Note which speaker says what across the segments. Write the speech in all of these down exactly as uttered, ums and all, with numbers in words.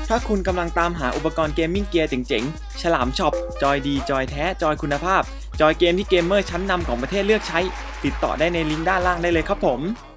Speaker 1: ถ้าคุณกำลังตามหาอุปกรณ์เกมมิ่งเกียร์เจ๋งๆ ฉลามช็อป จอยดี จอยแท้ จอยคุณภาพ จอยเกมที่เกมเมอร์ชั้นนำของประเทศเลือกใช้ ติดต่อได้ในลิงก์ด้านล่างได้เลยครับผม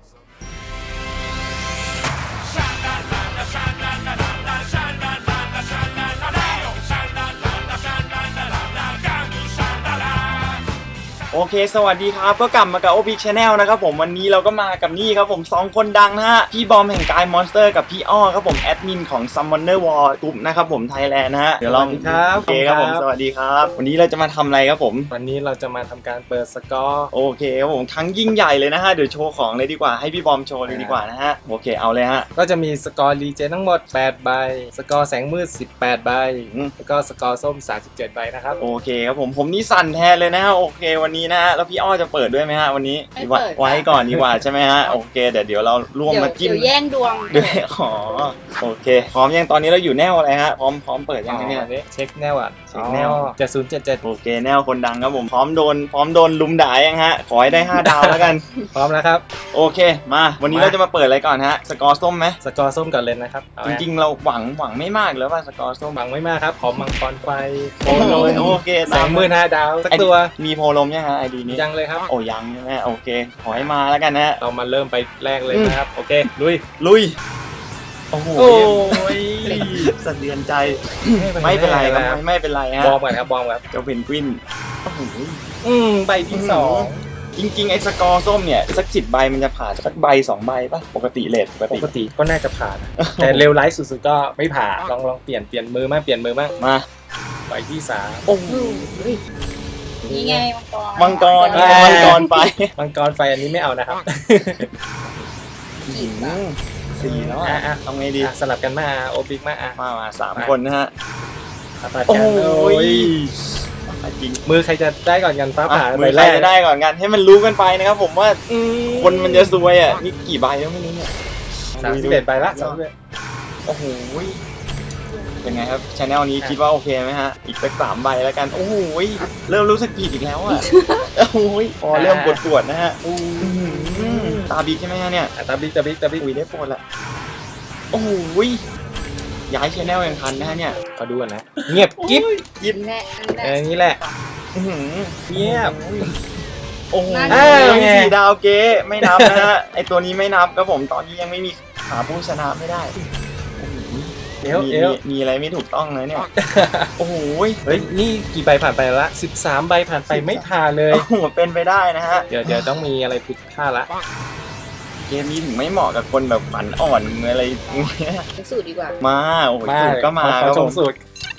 Speaker 1: โอเคสวัสดีครับก็กลับมากับ โอ พี Channel นะครับผมวันนี้เราก็มากับนี่ครับผมสองคนดังนะฮะพี่บอมแห่งกายมอนสเตอร์กับพี่อ้อครับผมแอดมินของ Summoner War กลุ่มนะครับผมไทยแลนด์นะฮะเดี๋ยวเรา
Speaker 2: สวัสดีครับ
Speaker 1: โอเคครับผมสวัสดีครับวันนี้เราจะมาทำอะไรครับผม
Speaker 2: วันนี้เราจะมาทำการเปิดสกอร์
Speaker 1: โอเคครับผมครั้งยิ่งใหญ่เลยนะฮะเดี๋ยวโชว์ของเลยดีกว่าให้พี่บอมโชว์เลยดีกว่านะฮะโอเคเอาเลยฮะ
Speaker 2: ก็จะมีสกอร์รีเจนทั้งหมดแปดใบสกอร์แสงมืดสิบแปดใบ
Speaker 1: อืม
Speaker 2: แล้วก็สกอร์ส้มสามสิบเจ็ดใบนะครับ
Speaker 1: โอเคครับผมผมนี่สั่นแทนเลยนะฮะโอเควันนี้นะฮะแล้วพี่อ้อจะเปิดด้วยไหมฮะวันนี้
Speaker 3: ไม่เปิด
Speaker 1: ไว้ก่อนดีกว่าใช่ไหมฮะโอเคเดี๋ยวเดี๋ยวเราร่วม
Speaker 3: เดี๋ยว
Speaker 1: มาจิ้ม
Speaker 3: เดี๋ยวแย่งดวง
Speaker 1: ด้วยอ๋อโอเคพร้อมยังตอนนี้เราอยู่แนวอะไรฮะพร้อมพร้อมเปิดยังไงเนี่ย
Speaker 2: อันนี้เช็คแนวอ่ะ
Speaker 1: เช็คแนว
Speaker 2: เจ็ดศูนย์เจ็ดเจ็ด
Speaker 1: โอเคแนวคนดังครับผมพร้อมโดนพร้อมโดนลุมด่ายังฮะขอให้ได้ห้าดาวแล้วกัน
Speaker 2: พร้อมแล้วครับ
Speaker 1: โอเคมาวันนี้
Speaker 2: มา
Speaker 1: เราจะมาเปิดอะไรก่อนฮะสกอร์ส้มไหม
Speaker 2: สกอร์ส้มก่อนเลยนะครับเอา
Speaker 1: จ
Speaker 2: ไง
Speaker 1: ริงๆเราหวังหวังไม่มากแล้วว่าสกอร์ส้ม
Speaker 2: หวังไม่มากครับขอมังกรไฟโค
Speaker 1: โอ้
Speaker 2: โล
Speaker 1: ยโอเค
Speaker 2: แสงมืดห้าดาวสักตัว
Speaker 1: มีโพลมยังฮะไอดีนี้
Speaker 2: ยังเลยครับ
Speaker 1: โอ้ยังใช่ไหมโอเคขอให้มาแล้วกันนะฮะ
Speaker 2: เรามาเริ่มไปแรกเลยนะครับโอเคลุย
Speaker 1: ลุยโอ้โห
Speaker 2: โอ้ย
Speaker 1: สะเทือนใจไม่เป็นไรครับไม่ไม่เป็นไรฮะ
Speaker 2: บอมก่อนครับบอมครับ
Speaker 1: เจ้าเพนกวินโอ้โห
Speaker 2: อืมใบที่สอง
Speaker 1: จริงๆไอ้สกอร์ส้มเนี่ยสักสิบใบมันจะผ่านสักใบสองใบป่ะปกติเลทปก
Speaker 2: ป
Speaker 1: ติ
Speaker 2: กติก็น่าจะผ่านนะแต่เร็วไลฟ์สุดๆก็ไม่ผ่านลองลองเปลี่ยนเปลี่ยนมือมากเปลี่ยนมือมาก
Speaker 1: มา
Speaker 2: ใบที่สาม
Speaker 1: โอ้โห
Speaker 3: นี่ไงมังกร
Speaker 1: มังกร
Speaker 2: อ่า
Speaker 1: มังกรไป
Speaker 2: มังกรไฟอันนี้ไม่เอานะครับ
Speaker 3: ขีดบ้าง
Speaker 1: สี่แล้ว
Speaker 2: อ่ะ
Speaker 1: อ่ะ
Speaker 2: อ่ะ
Speaker 1: ทำไงดี
Speaker 2: อ่ะสลับกันมาโอปิกมาอ่ะ
Speaker 1: มามาสามคนนะฮะ
Speaker 2: อ่ะตัด
Speaker 1: โอ้
Speaker 2: กัน
Speaker 1: โห
Speaker 2: โอ้ย
Speaker 1: จริง
Speaker 2: มือใครจะได้ก่อนกันฟ้าผ่า
Speaker 1: อ่ะ
Speaker 2: ใบ
Speaker 1: มือใค
Speaker 2: แร
Speaker 1: ร
Speaker 2: ก
Speaker 1: จะได้ก่อนกันให้มันรู้กันไปนะครับผมว่า
Speaker 2: อืม
Speaker 1: คนมันจะซวยอ่ะนี่กี่ใบแล้วไม่รู้เนี่ย
Speaker 2: สามสิบเอ็ดใบละสามสิบเอ็ด
Speaker 1: โอ้โหเป็นไงครับชาแนลนี้คิดว่าโอเคไหมฮะอีกสักสามใบแล้วกันโอ้โหเริ่มรู้สึกผิดอีกแล้วอ่ะโอ้โหพอเริ่มปวดปวดๆนะฮะอื้อหือตาบิ๊กใช่ไหมฮะเนี่ย
Speaker 2: อ่ะตาบิ๊กตาบิ๊กตาบิ๊ก
Speaker 1: อุ้ยได้ปวดละโอ้โหย้ายชแนลยังทันนะฮะเนี่ย
Speaker 2: ขอดูก่อนนะเงียบกิ๊บ
Speaker 1: ยิบ
Speaker 3: แน่นั่นแห
Speaker 2: เอ
Speaker 3: ละ
Speaker 2: อนี่แหละ
Speaker 1: อื้อหือ
Speaker 2: เงียบ
Speaker 1: โอ้โห
Speaker 2: อ้าวไง
Speaker 1: สี่ดาวเก๊ไม่นับนะฮะไอตัวนี้ไม่นับครับผมตอนนี้ยังไม่มีหาผู้ชนะไม่ได้โอ้โห
Speaker 2: เอว
Speaker 1: มี
Speaker 2: เอว
Speaker 1: มีมีอะไรไม่ถูกต้องเลยเนี่ยโอ้โห
Speaker 2: เฮ้ยนี่กี่ใบผ่านไปละสิบสามใบผ่านไปไม่ผ่านเลย
Speaker 1: โอ้โหเป็นไปได้นะฮะ
Speaker 2: เดี๋ยวเดี๋ยวต้องมีอะไรผิดพลาดละ
Speaker 1: เกมนี้ถึงไม่เหมาะกับคนแบบฝันอ่อนอะไรอย่างเงี้ย
Speaker 3: สูตรดีกว่า
Speaker 1: มาโอ้โหสูตรก็มา
Speaker 2: ขอ
Speaker 1: ครับ
Speaker 2: ช
Speaker 1: ผม ม
Speaker 2: สูตร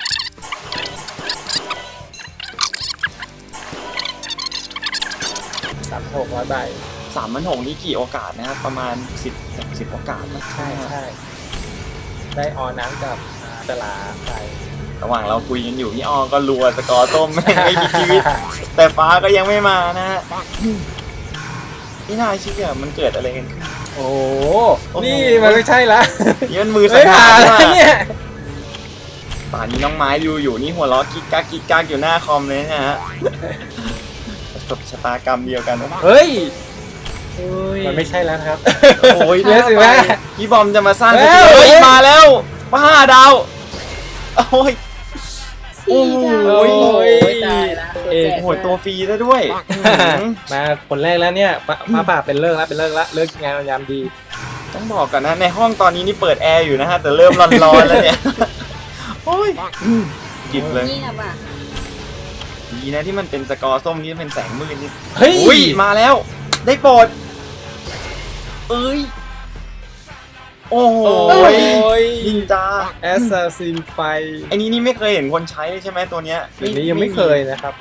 Speaker 2: สามหกร้อยใบ
Speaker 1: สามพันหกนี่กี่โอกาสนะครับประมาณสิบสิบโอกาสนะ
Speaker 2: ใช่ใช่ได้ออน้ำกับอ่าตลาไป
Speaker 1: ระหว่างเราคุยกันอยู่พี่อ้อก็รัวสกอร์ต้ม ไม่ไม่มีชีวิต แต่ฟ้าก็ยังไม่มานะฮะนี่น่าเชื่อมันเกิดอะไรกันขึ้น
Speaker 2: โอ้
Speaker 1: โอ้โห
Speaker 2: นี่มันไม่ใช่ละ
Speaker 1: นี่มันมือสั
Speaker 2: ไม่
Speaker 1: งหา
Speaker 2: ผ่าน
Speaker 1: ร
Speaker 2: แล้ว
Speaker 1: ว่ะ
Speaker 2: เนี่ย
Speaker 1: ป่านนี้น้องไม้ดูอยู่นี่หัวล้อกิ๊กกักกิ๊กกักอยู่หน้าคอมเลยนะฮะประสบชะตากรรมเดียวกัน
Speaker 2: เฮ้ยมันไม่ใช่แล้วนะครับ
Speaker 1: โอ้ย
Speaker 2: เดี๋ยวสิแม่
Speaker 1: พี่บอมจะมาสร้าง
Speaker 2: เอ้ย
Speaker 1: เฮ้ยมาแล้วมาห้าดาวโอ้ย
Speaker 3: สี่ดาว
Speaker 1: โอ้ย
Speaker 3: โอ้ยตายละตัวแจก
Speaker 1: โอ้โหตัวฟรีซะด้วย
Speaker 2: มาคนแรกแล้วเนี่ยฟ้าฟ้าผ่าเป็นเลิกแล้วเป็นเลิกแล้วเลิกงานยามดี
Speaker 1: ต้องบอกก่อนนะในห้องตอนนี้นี่เปิดแอร์อยู่นะฮะแต่เริ่มร้อนๆแล้วเนี่ยโอ้ยจิบเลย
Speaker 3: นี่นะป่ะ
Speaker 1: ดีนะที่มันเป็นสกอร์ส้มที่เป็นแสงมืดนี่
Speaker 2: เฮ้ย
Speaker 1: อุ้ยมาแล้ว ได้โปรดเอ้ยโอ้โห
Speaker 2: โอ้ย
Speaker 1: นินจา
Speaker 2: แอสซ s ซินไฟ
Speaker 1: ไอ้นี้นี่ไม่เคยเห็นคนใช้เลยใช่ไหมตัวเนี้ย
Speaker 2: อันนี้ยังไม่เคยนะครับ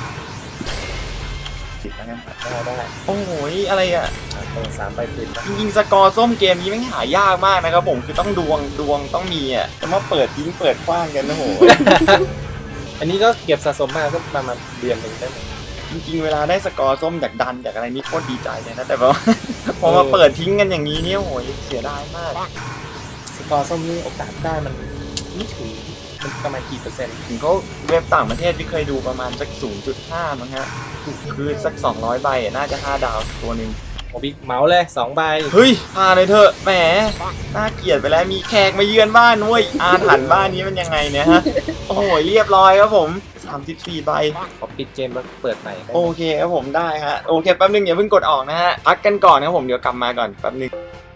Speaker 1: ติดแล้วกัน
Speaker 2: ได้ได้
Speaker 1: โอ้โหอะไรอ่ะ
Speaker 2: อ่ะเปิดสามใบติดนะ
Speaker 1: จริงๆสกอร์ส้มเกมนี้แม่งหายากมากนะครับผมคือต้องดวงดวงต้องมีอ่ะจะมาเปิดทิ้งเปิดกว้างกันนะโห
Speaker 2: อันนี้ก็เก็บสะสมมาก็ประมาณเดือนหนึ่งได้ไหม
Speaker 1: จริงๆเวลาได้สกอร์ส้มจากดันจากอะไรนี่โคตรดีใจเลยนะแต่ว่า พอมาเปิดทิ้งกันอย่างนี้เนี่ยโหยเสียดายมาก
Speaker 2: สกอร์ส้มนี่โอกาสได้มันไม่ถึงมันประมาณกี่เปอร์เซ็นต์
Speaker 1: ถึงเขาเว็บต่างประเทศที่เคยดูประมาณสัก ศูนย์จุดห้า มั้งฮะคือสักสองร้อยใบอ่ะน่าจะห้าดาวตัวหนึ่ง
Speaker 2: อ้บิ๊กเมาส์เลยสองใบ
Speaker 1: เฮ้ยพาเลยเถอะแหมน่าเกลียดไปแล้วมีแขกมาเยือนบ้านเว้ยอาถรรพ์บ้านนี้มันยังไงเนี่ยฮะโอ้โหเรียบร้อยครับผมสามสิบสี่ใบ
Speaker 2: ขอปิดเกมแล้วเปิดใหม่ได้ไหม
Speaker 1: โอเคครับผมได้ฮะโอเคแป๊บนึงอย่าเพิ่งกดออกนะฮะพักกันก่อนนะครับผมเดี๋ยวกลับมาก่อนแป๊บนึง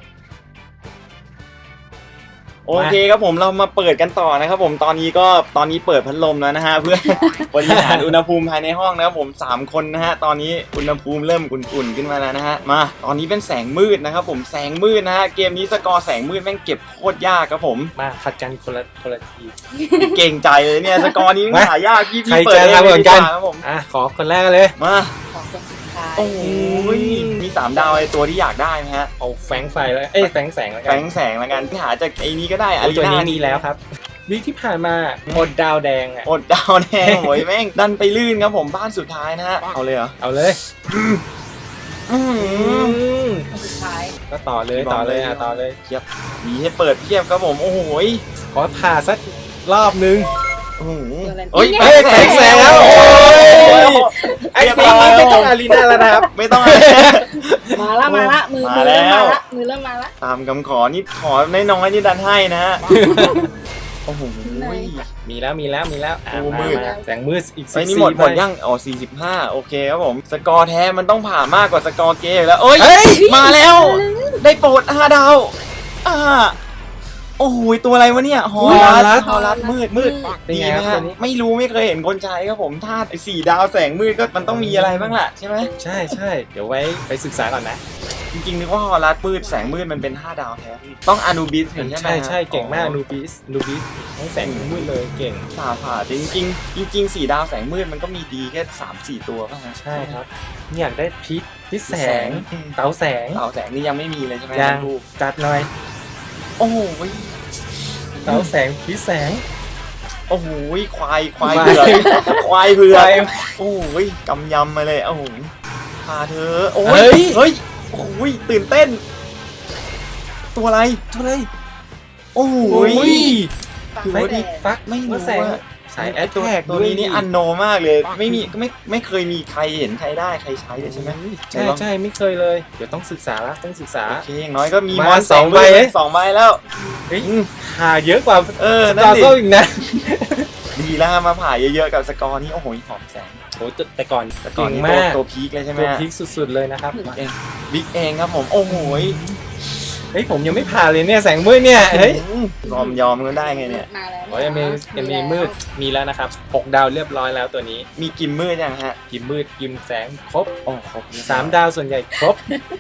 Speaker 1: โอเคครับผมเรามาเปิดกันต่อนะครับผมตอนนี้ก็ตอนนี้เปิดพัดลมแล้วนะฮะเพื่อบริหารอุณหภูมิภายในห้องนะครับผมสามคนนะฮะตอนนี้อุณหภูมิเริ่มอุ่นๆขึ้นมาแล้วนะฮะมาตอนนี้เป็นแสงมืดนะครับผมแสงมืดนะฮะเกมนี้สกอร์แสงมืดแม่งเก็บโคตรยากครับผม
Speaker 2: มาผัดกันคนละคนละที
Speaker 1: เก่งใจเลยเนี่ยสกอร์นี้มันหายากพี่พี่
Speaker 2: ใคร
Speaker 1: เปิด
Speaker 2: จะ
Speaker 1: เอง
Speaker 2: ทำเหมือนกัน
Speaker 1: ดีว่าครับผม
Speaker 2: อ่ะขอคนแรกเลย
Speaker 1: มา
Speaker 3: ของคนสุดท้าย
Speaker 1: โอ้ยมีสามดาวไอตัวที่อยากได้ไหมฮะ
Speaker 2: เอาแฝงไฟแล้วเอ้ยแฝงแสงแล้ว
Speaker 1: แฝ
Speaker 2: กัน
Speaker 1: งแสงละกันหาจากไอ้นี้ก็ได้อา
Speaker 2: โอ้
Speaker 1: รี
Speaker 2: ตัว
Speaker 1: นา
Speaker 2: นี้มีแล้วครับวีคที่ผ่านมาหมดดาวแดงอ่ะ
Speaker 1: อดดาวแดงโอ้ยแม่งดันไปลื่นครับผมบ้านสุดท้ายนะฮะเอาเลยเหรอ
Speaker 2: เอาเลย
Speaker 1: อื้อหือ
Speaker 2: ม
Speaker 3: คนสุดท้าย
Speaker 2: ก็ต่อเลยต่อเลยอ่ะต่อเลย
Speaker 1: มีให้เปิดเพียบครับผมโอ้โหย
Speaker 2: ขอผ่าสักรอบนึง
Speaker 1: โอ้โห
Speaker 3: เฮ้
Speaker 1: เฮ้ย
Speaker 3: ย
Speaker 1: แสง
Speaker 2: แส
Speaker 1: แส
Speaker 2: ง
Speaker 1: ง
Speaker 2: แล้
Speaker 1: แล้ว ว
Speaker 2: โอ้
Speaker 1: โอ้
Speaker 2: ย
Speaker 1: ย
Speaker 2: ไอ้ปีนี้ไม่ต้องอารีนาแล้วนะครับ
Speaker 1: ไม่ต้องอะไร
Speaker 3: มาละมาละมือ
Speaker 1: มา
Speaker 3: มือ
Speaker 1: แล้
Speaker 3: เริ่มมาว ละมือเริ่มมาละ
Speaker 1: ตามคำขอนี่ขอน้อยๆนี่ดันให้นะฮะโอ้โห
Speaker 2: มีแล้วมีแล้วมีแล้วอ่ะ
Speaker 1: โอ้
Speaker 2: มา
Speaker 1: มืด
Speaker 2: มาแสงมืดอีก
Speaker 1: ไอ้
Speaker 2: สิบ
Speaker 1: นี่
Speaker 2: สี่
Speaker 1: หมดหมด
Speaker 2: ใบ
Speaker 1: ยังอ๋อสี่สิบห้าโอเคครับผมสกอร์แท้มันต้องผ่ามากกว่าสกอร์เกมอยู่แล้วเอ้ย
Speaker 2: เฮ้ย
Speaker 1: มาแล้วได้โปรดห้าดาวอ่าโอ้โหตัวอะไรวะเนี่ยฮอ
Speaker 2: ฮอ
Speaker 1: ลั
Speaker 2: ลั
Speaker 1: ส
Speaker 2: ส
Speaker 1: ฮอลัสมืดมืด
Speaker 2: เป็น
Speaker 1: ดี
Speaker 2: ไง
Speaker 1: นะ
Speaker 2: ครั
Speaker 1: ฮะ
Speaker 2: บตัวนี้
Speaker 1: ไม่รู้ไม่เคยเห็นคนใช้ครับผมถ้าไอ้สี่ดาวแสงมืดก็มันต้องมีอะไรบ้างล่ะใช่ไหม
Speaker 2: ใช่ใช่เดี๋ยวไว้ไปศึกษาก่อนนะ
Speaker 1: จริงๆนึกว่าฮอลัสมืดแสงมืดมันเป็นห้าดาวแท้ต้องอนูบิสเห็นใช่ไหม
Speaker 2: ใช่
Speaker 1: ฮะ
Speaker 2: ใช่เก่งมาก
Speaker 1: อ๋อ
Speaker 2: นูบิสนูบิสทั้งแสงมืดเลยเก่ง
Speaker 1: ผ่าผ่าจริงๆจริงๆสี่ดาวแสงมืดมันก็มีดีแค่สามสี่ตัวป่ะฮะ
Speaker 2: ใช่ครับนี่อยากได้พิษพิษแสง
Speaker 1: อืม
Speaker 2: เต๋าแสง
Speaker 1: เต่าแสงนี่ยังไม่มีเลยใช่ไหม
Speaker 2: ยัง
Speaker 1: ลูก
Speaker 2: จัดหน่อย
Speaker 1: โอ้โห
Speaker 2: เต๋าแสงพิษแสง
Speaker 1: โอ้โหควายควาย
Speaker 2: ควาย
Speaker 1: เผือกควายเผือก
Speaker 2: ควาย
Speaker 1: โอ้โหกำยำมาเลยโอ้โหพาเธอโอ้
Speaker 2: เฮ้
Speaker 1: ย
Speaker 2: ย
Speaker 1: เฮ้ยโอ้โหตื่นเต้น ตัวอะไร
Speaker 2: ตัวอะไร
Speaker 1: โอ้โห
Speaker 3: ฟัง
Speaker 1: ถือ
Speaker 3: ไม่
Speaker 1: ว่า
Speaker 3: ได้
Speaker 1: ดี
Speaker 2: ฟัก
Speaker 1: ไม่รู้
Speaker 2: ว่าแสง
Speaker 1: ว่า
Speaker 2: สายแอ
Speaker 1: ไอ้
Speaker 2: ด
Speaker 1: ตัว
Speaker 2: แท็ก
Speaker 1: ตัวนี้นี่อันโนมากเลย ไม่มีไม่ไม่เคยมีใครเห็นใครได้ใครใช้เลยใช่ไหม
Speaker 2: ใช่ใช่ไม่เคยเลย เดี๋ยวต้องศึกษาละต้องศึกษา
Speaker 1: โอเคอย่างน้อยก็มี
Speaker 2: มาม
Speaker 1: อน
Speaker 2: สองใบ
Speaker 1: แส
Speaker 2: เอ๊ะ
Speaker 1: สองใบแล้ว
Speaker 2: เฮ้ย
Speaker 1: อืม
Speaker 2: หาเยอะกว่า
Speaker 1: เออนั่
Speaker 2: ตาน
Speaker 1: ดิ
Speaker 2: ก็อีกนะ
Speaker 1: ดีแล้วมาผ่าเยอะๆกับสกอร์นี่โอ้โหหอมแสง
Speaker 2: โอ้แต่ก่อน
Speaker 1: แต่ก่อน
Speaker 2: เก่ง
Speaker 1: นี่
Speaker 2: มาก
Speaker 1: ตัวพีคเลยใช่ไหม
Speaker 2: ตัว
Speaker 1: ฮะ
Speaker 2: พีคสุดๆเลยนะครับ
Speaker 1: บิ๊กเองบิ๊กเองครับผมโอ้โห
Speaker 2: เฮ้ยผมยังไม่ผ่านเลยเนี่ยแสงมืดเนี่ยเฮ้ย
Speaker 1: ยอมยอมก็ได้ไงเนี่ย
Speaker 3: มาแล้ว
Speaker 2: โอ้ยยังมียังมีมืดมีแล้วนะครับหกดาวเรียบร้อยแล้วตัวนี้
Speaker 1: มีกิมมืดยังฮะ
Speaker 2: กิมมืดกิมแสงครบ
Speaker 1: โอ้ครบ
Speaker 2: สามดาวส่วนใหญ่ครบ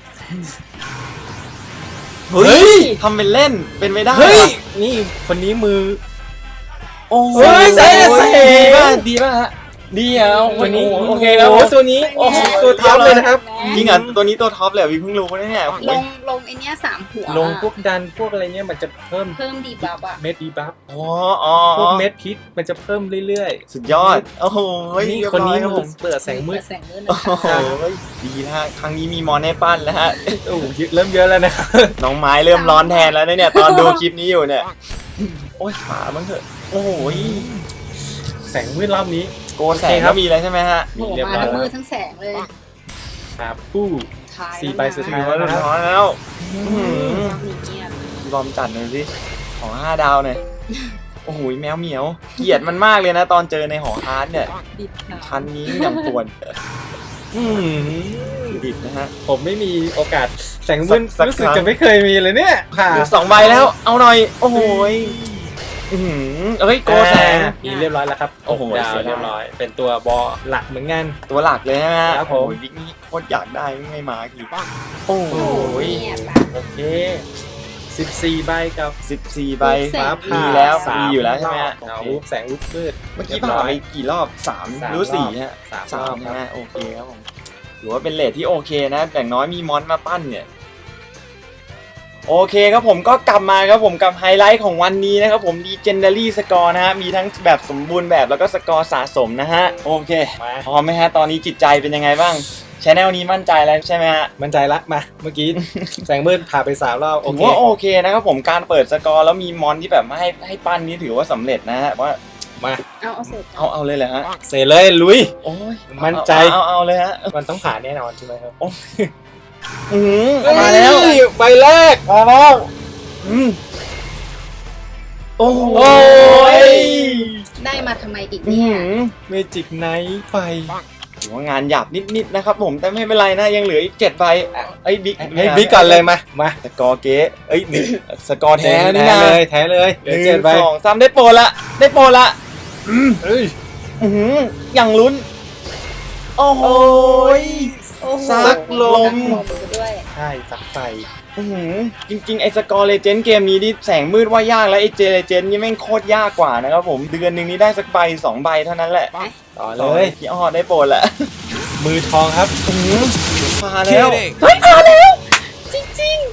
Speaker 1: เฮ้ยทำเป็นเล่นเป็นไม่ได้
Speaker 2: เฮ้ย
Speaker 1: ว่ะ
Speaker 2: นี่คนนี้มือ
Speaker 1: โอ้โห
Speaker 2: เฮ้ยแสงแสง
Speaker 1: ดีมากดีมากฮะดีอ่ะ
Speaker 2: ตัวนี้
Speaker 1: โอเคครับ
Speaker 2: โอ้ตัวนี้
Speaker 1: โอ้โห
Speaker 2: ตัวท็อปเลยนะครับ
Speaker 1: จริงอ่ะตัวนี้ตัวท็อปเลยพี่เพิ่งรู้นะเนี่ย
Speaker 3: ลงลงไอเนี้ยสามหัว
Speaker 2: ลงพวกดันพวกอะไรเนี่ยมันจะเพิ่ม
Speaker 3: เพิ่มดีบัฟอ่ะ
Speaker 2: เม็ดดีบัฟ
Speaker 1: อ๋ออ๋อ
Speaker 2: พวกเม็ดพิษมันจะเพิ่มเรื่อย
Speaker 1: สุดยอดโอ้โห
Speaker 2: ๆนี่
Speaker 1: เรียบ
Speaker 2: คน
Speaker 1: ร้อ
Speaker 2: นี้
Speaker 1: ยครับผม
Speaker 2: เปิดแสงมืด
Speaker 3: แสงมืดนะ
Speaker 1: โอ้โห
Speaker 3: คะ
Speaker 1: ดีนะฮะครั้งนี้มีมอนให้ปั้นแล้วฮะ
Speaker 2: โอ้โหเยอะเริ่มเยอะแล้วนะครับ
Speaker 1: น้องไม้เริ่มร้อนแทนแล้วนะเนี่ยตอนดูคลิปนี้อยู่เนี่ยโอ้ยฝาบ้างเถอะโอ้โห
Speaker 2: แสงมืดรอบนี้
Speaker 1: โกนแสงก็มีแล้วใช่ไหมฮะ
Speaker 3: โผล่มาทั้งมือทั้งแสงเลย
Speaker 2: ครับผู้
Speaker 3: ท้าย
Speaker 2: สี่ใบสุด
Speaker 1: ถื
Speaker 2: ท้า
Speaker 1: อย ว่าเรียบร้อยแล้ว
Speaker 3: เงียบ
Speaker 1: ลอมจัดหน่อยสิของห้าดาวหน่อยโอ้โหแมวเหมียวเกลียดมันมากเลยนะตอนเจอในหอฮาร์ดเนี่ย
Speaker 3: ดิบหนา
Speaker 1: ชั้นนี้อย่างปวด
Speaker 2: อืม
Speaker 1: ดิบนะฮะ
Speaker 2: ผมไม่มีโอกาสแสงมืด
Speaker 1: สัก
Speaker 2: รู้สึก
Speaker 1: ครั้ง
Speaker 2: จะไม่เคยมีเลยเนี่ยค่ะ
Speaker 1: เหลือสองใบแล้วเอาหน่อยโอ้โหยอื้อหือเอ้ยโกแสง
Speaker 2: อ่ามีเรียบร้อยแล้วครับ
Speaker 1: โอ้โห
Speaker 2: ดาว
Speaker 1: เสียดาย
Speaker 2: เรียบร้อย เป็นตัวบอหลักเหมือนกัน
Speaker 1: ตัวหลักเลยนะฮะ
Speaker 2: ครับผม
Speaker 1: โอ้ยบิ๊กนี่โคตรอยากได้ไม่มาทีโอ้โห
Speaker 3: เงียบ
Speaker 2: โอเคสิบสี่ใบกับ
Speaker 1: สิบสี่ใบ
Speaker 3: แสง
Speaker 1: มีแล้ว
Speaker 2: สา
Speaker 1: มีอยู่แล้วใช่ไหมฮะ
Speaker 2: ดาว
Speaker 1: โอ
Speaker 2: รูป
Speaker 1: เค
Speaker 2: แสงรูปมืด
Speaker 1: เมื่อกี้
Speaker 2: เรียบร้
Speaker 1: ผ่า
Speaker 2: อย
Speaker 1: ไปกี่รอบสาม
Speaker 2: สาม
Speaker 1: หรือสี่
Speaker 2: รอบ
Speaker 1: ฮะ
Speaker 2: สาม
Speaker 1: สาร
Speaker 2: อ
Speaker 1: ม
Speaker 2: บ
Speaker 1: ใช่
Speaker 2: ค
Speaker 1: ไหม
Speaker 2: รับ
Speaker 1: โอเคครับผมหรือว่าเป็นเลทที่โอเคนะอย่างน้อยมีมอนมาปั้นเนี่ยโอเคครับผมก็กลับมาครับผมกับไฮไลท์ของวันนี้นะครับผม Legendary Score นะฮะมีทั้งแบบสมบูรณ์แบบแล้วก็สกอร์สะสมนะฮะโอเค
Speaker 2: มา
Speaker 1: พร้อมไหมฮะตอนนี้จิตใจเป็นยังไงบ้างชแนลนี้มั่นใจแล้วใช่ไหมฮะ
Speaker 2: มั่นใจละมาเมื่อกี้ แสงมืดผ่าไปสามรอบโอ
Speaker 1: ถือ
Speaker 2: เค
Speaker 1: ว่าโอเคนะครับผมการเปิดสกอร์แล้วมีมอนที่แบบมาให้ให้ปั้นนี่ถือว่าสำเร็จนะฮะว่า
Speaker 2: มา
Speaker 3: เอาเอาเสร็จ
Speaker 1: เอาเอาเลยเหรอฮะ
Speaker 2: เสร็จเลยลุย
Speaker 1: โอ้ย
Speaker 2: มั่นใจ
Speaker 1: เอาเอาเอาเลยฮะ
Speaker 2: มันต้องผ่านแน่นอนใช่ไหมครับ
Speaker 1: อือมาแล้ว
Speaker 2: ใบแรก
Speaker 1: มาแล้วอืมโอ้โห
Speaker 3: ได้มาทำไมอีก
Speaker 1: อื
Speaker 3: เนี่ย
Speaker 1: อเมจิกไนท์ไฟถือว่างานหยาบนิดๆนะครับผมแต่ไม่เป็นไรนะยังเหลืออีกเจ็ดใบอ่ะไอ้บิ๊ก
Speaker 2: ให้บิ๊กก่อนเลยมามา
Speaker 1: สกอร์เก๊เอ้ยหนึ่งสกอร์แท้นี่
Speaker 2: แท้
Speaker 1: นะ
Speaker 2: เลยแท้เลยเห
Speaker 1: ห
Speaker 2: ลือ
Speaker 1: นึ่
Speaker 2: เจ็ด
Speaker 1: ง
Speaker 2: ใบ
Speaker 1: สองสามได้โปรละได้โปรละอืม
Speaker 2: เอ้ย
Speaker 1: อือหืออย่างลุ้นโอ้โหย
Speaker 3: โอ้โห
Speaker 1: ซักลม
Speaker 3: ซักด้วย
Speaker 2: ใช่สักไฟ
Speaker 1: อื้อหือจริงๆไอ้สกอร์เลเจนด์เกมนี้นี่แสงมืดว่ายากแล้วไอ้เจเลเจนด์นี่แม่งโคตรยากกว่านะครับผมเดือนหนึ่งนี้ได้สักใบสองใบเท่านั้นแหละ
Speaker 2: ต่อ
Speaker 1: เล
Speaker 2: เลย ย
Speaker 1: พี่อ้อได้โปรละ
Speaker 2: มือทองครับ
Speaker 1: อื้อหือมาแล้ว
Speaker 3: เฮ้ยพอแล้ว จริง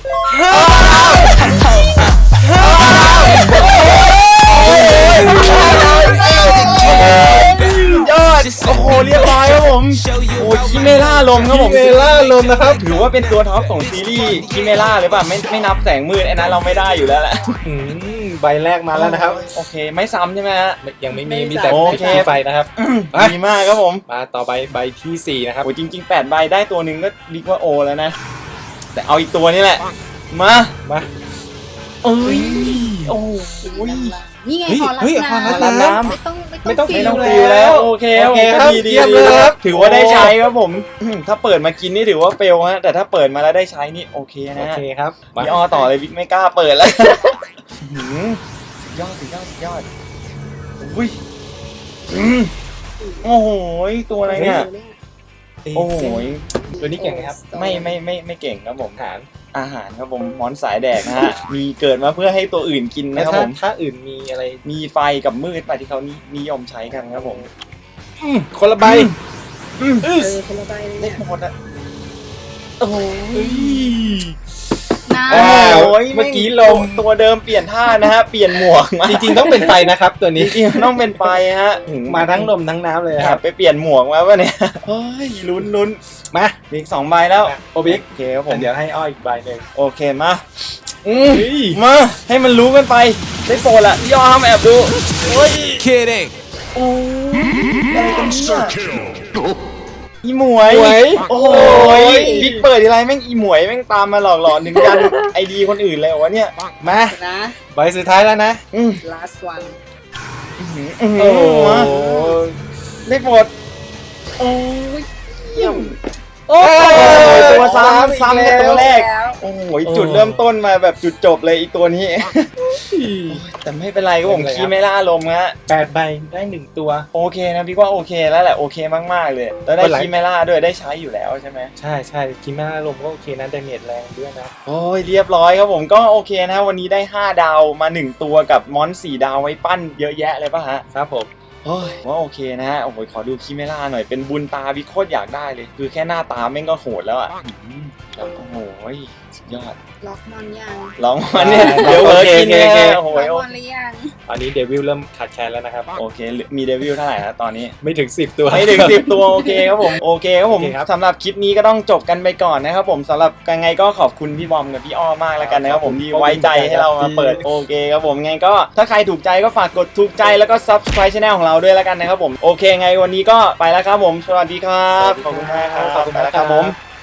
Speaker 1: ยอดโอ้โหเรียบร้อยครับผมโอ้ยคิเมล่าลมครับผม
Speaker 2: คิเมล่าลมนะครับ
Speaker 1: ถือว่าเป็นตัวท็อปของซีรีส์คิเมล่าหรือเปล่าไม่ไม่นับแสงมืดไอ้นั้นเราไม่ได้อยู่แล้วแหละ
Speaker 2: อืมใบแรกมาแล้วนะครับ
Speaker 1: โอเคไม่ซ้ำใช่ไหมฮะ
Speaker 2: ยังไม่มีมีแต่
Speaker 1: โอเค
Speaker 2: ที่ไฟนะครับ ไป
Speaker 1: ดีมากครับผม
Speaker 2: มาต่อใบใบที่สี่นะครับ
Speaker 1: โอ้ยจริงๆแปดใบได้ตัวหนึ่งก็บิ๊กว่าโอแล้วนะ แต่เอาอีกตัวนี่แหละ มา
Speaker 2: มา
Speaker 1: เอ้ยโอ้
Speaker 3: ๆ
Speaker 1: โหย
Speaker 3: นี่ไง
Speaker 2: เฮ้ย
Speaker 3: พอรับ
Speaker 2: เฮ้ย
Speaker 3: น้
Speaker 2: พอรับ
Speaker 3: ำ
Speaker 2: น้
Speaker 3: ไม่ต้อง
Speaker 2: ไม่ต้อง
Speaker 1: ไม่ต้อง
Speaker 2: ฟิ
Speaker 1: ฟิ
Speaker 2: ล
Speaker 1: ล
Speaker 2: แล้
Speaker 1: แล้ว วโอเค
Speaker 2: โอเคครับ
Speaker 1: ดีดี
Speaker 2: เยี่ยม
Speaker 1: ดี
Speaker 2: เลยครับ
Speaker 1: ถือว่าได้ใช้ครับผมอืมถ้าเปิดมากินนี่ถือว่าเฟลฮะแต่ถ้าเปิดมาแล้วได้ใช้นี่โอเค
Speaker 2: โอ
Speaker 1: นะฮะ
Speaker 2: เคครับมา
Speaker 1: พี่อ้อต่อเลยบิ๊กไม่กล้าเปิดแล้วอื้อหือสุดยอดสุดยอดสุดยอดอุ้ยอืมโอ้โหยตัวอะไรเนี่ย โอ้โหย
Speaker 2: ตัวนี้เก่งไหมครับ
Speaker 1: ไม่ไม่ไม่ไม่เก่งครับผม
Speaker 2: ฐาน
Speaker 1: อาหารครับผมหมอนสายแดกนะฮะ มีเกิดมาเพื่อให้ตัวอื่นกิน
Speaker 2: แล้
Speaker 1: นะ
Speaker 2: ว
Speaker 1: ครับ
Speaker 2: ถ้า
Speaker 1: ผม
Speaker 2: ถ้าอื่นมีอะไร
Speaker 1: มีไฟกับมืดไปที่เขานิยมใช้กันครับผม
Speaker 2: อืมคนละใบ
Speaker 1: อืม
Speaker 3: เออคนละใบเลย
Speaker 1: เล็
Speaker 3: เนี่
Speaker 1: ก
Speaker 3: ย
Speaker 1: หมดอะโอ้โห
Speaker 3: น้
Speaker 2: อ้าว
Speaker 1: โอ้ย
Speaker 2: เมื่อกี้ลม
Speaker 1: ตัวเดิมเปลี่ยนท่านะฮะ เปลี่ยนหมวกมา
Speaker 2: จริงๆต้องเป็นไฟนะครับ ตัว
Speaker 1: จ
Speaker 2: นี้
Speaker 1: ริงๆต้องเป็นไฟฮะ
Speaker 2: มาทั้งลมทั้งน้ำเลย
Speaker 1: แอ
Speaker 2: ครับ บ
Speaker 1: ไปเปลี่ยนหมวกมาปะเนี่ยเฮ้ยลุ้นลุ้น
Speaker 2: มา
Speaker 1: อีกสองใบแล้ว
Speaker 2: โอบิก
Speaker 1: โอเคครับผม
Speaker 2: เดี๋ยวให้อ้อยอีกใบหนึ่ง
Speaker 1: โอเคมาอืม
Speaker 2: เฮ้ย
Speaker 1: มาให้มันรู้กันไปได้โปรดละย่อห้ามแอบดูเฮ้ย
Speaker 4: Kidding.
Speaker 1: โอ้ยอะไรกันเนี่ยอีหมวย
Speaker 2: หมวย
Speaker 1: โอ้โหบิ๊กเปิดทีไรแม่งอีหมวยแม่งตามมาหลอกหลอนถึงยันไอดีคนอื่นเลยวะเนี่ย
Speaker 2: มา
Speaker 3: ำนะ
Speaker 2: ใบสุดท้ายแล้วนะ
Speaker 1: อืม
Speaker 3: last one
Speaker 1: อืม
Speaker 2: โอ้โห
Speaker 1: มาได้โปรดโอ้ยเยี่ยม
Speaker 2: โอ้
Speaker 1: ยตัวซ้ำ
Speaker 2: อี
Speaker 1: ซ้ำในตัวแรก
Speaker 3: แล้ว
Speaker 1: โอ้โหจุดเริ่มต้นมาแบบจุดจบเลยอีตัวนี้ แต่ไม่เป็นไรก็ผมคีไม่ล่าลมฮะ
Speaker 2: แปดใบได้หนึ่งตัว
Speaker 1: โอเคนะพี่ว่าโอเคแล้วแหละโอเคมากๆเลยแล้วได้
Speaker 2: วันหลัง
Speaker 1: คีไม่ล่าด้วยได้ใช้อยู่แล้วใช่ไหม
Speaker 2: ใช่ใช่คิม่าลมก็โอเคนะดาเมจแรงด้วยนะ
Speaker 1: โอ้ยเรียบร้อยครับผมก็โอเคนะวันนี้ได้ห้าดาวมาหนึ่งตัวกับมอนสี่ดาวไว้ปั้นเยอะแยะเลยป่ะฮะ
Speaker 2: ครับผม
Speaker 1: โอ้ยว่าโอเคนะฮะโอ้โหขอดูคีเมล่าหน่อยเป็นบุญตาวิโคตรอยากได้เลย คือแค่หน้าตาแม่งก็โหดแล้วอ่ะอืมโอ้โหสุดยอด
Speaker 3: ล็อกมอนยัง
Speaker 1: ลองมันเนี่ยเดี๋ยวเวิร์กกินเนี่ยโอ้โห
Speaker 3: ล็อกมอนหรือยัง
Speaker 2: ตอนนี้เดวิลเริ่มขาดแคลนแล้วนะครับ
Speaker 1: โอเคมีเดวิลเท่าไหร่นะตอนนี้
Speaker 2: ไม่ถึงสิบตัว
Speaker 1: ไม่ถึงสิบตัวโอเคครับผมโอเคครับผม
Speaker 2: โอเคครับ
Speaker 1: สำหรับคลิปนี้ก็ต้องจบกันไปก่อนนะครับผมสำหรับยังไงก็ขอบคุณพี่บอมกับพี่อ้อมากแล้วกันนะครับผมที่ไว้ใจให้เรามาเปิดโอเคครับผมไงก็ถ้าใครถูกใจก็ฝากกดถูกใจแล้วก็ Subscribe Channel ของเราด้วยแล้วกันนะครับผมโอเคไงวันนี้ก็ไปแล้วครับผมสวัสดีครับขอบคุณมากครับ
Speaker 2: ขอบคุณ
Speaker 1: ไป
Speaker 2: มาก
Speaker 1: แล้ว
Speaker 2: ค
Speaker 1: ค
Speaker 2: รั
Speaker 1: รับ บผม